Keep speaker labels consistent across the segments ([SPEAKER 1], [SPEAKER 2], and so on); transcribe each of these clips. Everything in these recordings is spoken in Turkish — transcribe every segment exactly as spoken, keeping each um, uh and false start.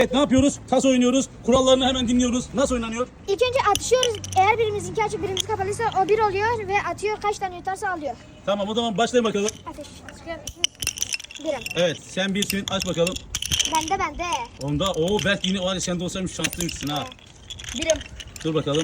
[SPEAKER 1] Evet, ne yapıyoruz? Tas oynuyoruz. Kurallarını hemen dinliyoruz. Nasıl oynanıyor?
[SPEAKER 2] İlk önce atışıyoruz. Eğer birimizinki açık birimiz kapalıysa o bir oluyor ve atıyor. Kaç tane yutarsa alıyor.
[SPEAKER 1] Tamam, o zaman başlayın bakalım.
[SPEAKER 2] Ateş. Birim.
[SPEAKER 1] Evet, sen birsin. Aç bakalım.
[SPEAKER 2] Bende bende.
[SPEAKER 1] Onda o belki yine o hali sende olsaymış şanslıymışsın ha.
[SPEAKER 2] Birim.
[SPEAKER 1] Dur bakalım.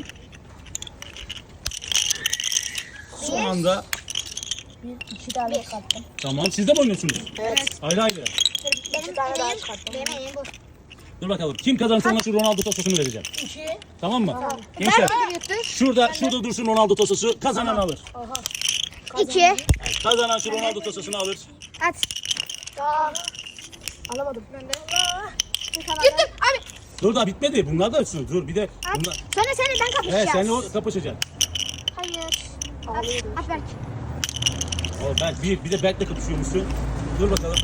[SPEAKER 1] Son anda.
[SPEAKER 2] İki tane çıkarttım.
[SPEAKER 1] Tamam, siz de mi oynuyorsunuz?
[SPEAKER 2] Evet.
[SPEAKER 1] Ayrı ayrı.
[SPEAKER 2] Benim emeğim, benim emeğim bu.
[SPEAKER 1] Dur bakalım. Kim kazanırsa ona şu Ronaldo tososunu vereceğim.
[SPEAKER 2] İki.
[SPEAKER 1] Tamam mı?
[SPEAKER 2] Tamam.
[SPEAKER 1] Gençler,
[SPEAKER 2] Ben yuttum.
[SPEAKER 1] şurada şurada dursun Ronaldo tososu. Kazanan alır.
[SPEAKER 2] İki.
[SPEAKER 1] Kazanan şu Ronaldo tososunu alır.
[SPEAKER 2] At. Tamam. Alamadım. Ben de. Yuttum. Abi.
[SPEAKER 1] Dur, daha bitmedi. Bunlar da ölçsün. Dur bir de
[SPEAKER 2] At.
[SPEAKER 1] bunlar.
[SPEAKER 2] Sonra sen ben kapışacağız.
[SPEAKER 1] Evet, seninle o kapışacaksın.
[SPEAKER 2] Hayır. At. At Berk.
[SPEAKER 1] O Berk bir, bir de Berk'le kapışıyormuşsun. Dur bakalım.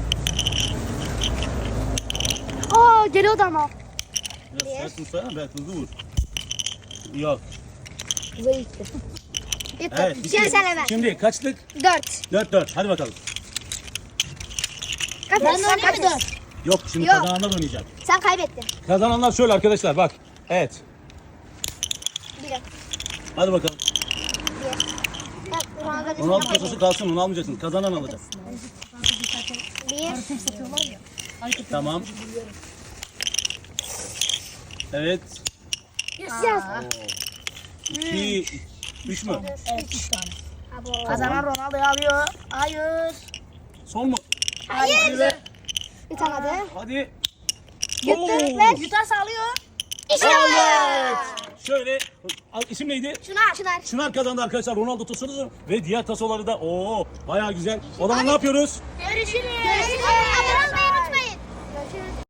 [SPEAKER 2] Aa geliyordu ama.
[SPEAKER 1] Biraz sert vursana, Berk hızlı vur. Yok.
[SPEAKER 2] Yuttum.
[SPEAKER 1] Evet,
[SPEAKER 2] Şimdi
[SPEAKER 1] bitti.
[SPEAKER 2] sen hemen.
[SPEAKER 1] Şimdi kaçlık?
[SPEAKER 2] Dört.
[SPEAKER 1] Dört dört. Hadi bakalım.
[SPEAKER 2] Ben de oynayayım mı dört?
[SPEAKER 1] Yok, şimdi
[SPEAKER 2] Yok.
[SPEAKER 1] kazananlar oynayacak.
[SPEAKER 2] Sen kaybettin.
[SPEAKER 1] Kazananlar şöyle arkadaşlar, bak. Evet.
[SPEAKER 2] Birim.
[SPEAKER 1] Hadi bakalım.
[SPEAKER 2] Bir. Bak, Ronaldo
[SPEAKER 1] Ronaldo tososu kalsın, onu almayacaksın. Kazanan alacak.
[SPEAKER 2] Bir.
[SPEAKER 1] Tamam. Evet.
[SPEAKER 2] Yaz.
[SPEAKER 1] İki, üç mü?
[SPEAKER 3] Kazanan Ronaldo'yu alıyor. Hayır.
[SPEAKER 1] Son mu?
[SPEAKER 2] Hayır. Yutamadı.
[SPEAKER 1] Hadi.
[SPEAKER 2] Yuttu.
[SPEAKER 1] Oo.
[SPEAKER 2] Ver.
[SPEAKER 3] Yutarsa alıyor.
[SPEAKER 2] İşte
[SPEAKER 1] Evet. Şöyle, isim neydi?
[SPEAKER 2] Çınar. Çınar.
[SPEAKER 1] Çınar kazandı arkadaşlar Ronaldo tosunu ve diğer tasoları da. Oo, bayağı güzel. O zaman ne yapıyoruz?
[SPEAKER 2] Görüşürüz. Görüşürüz.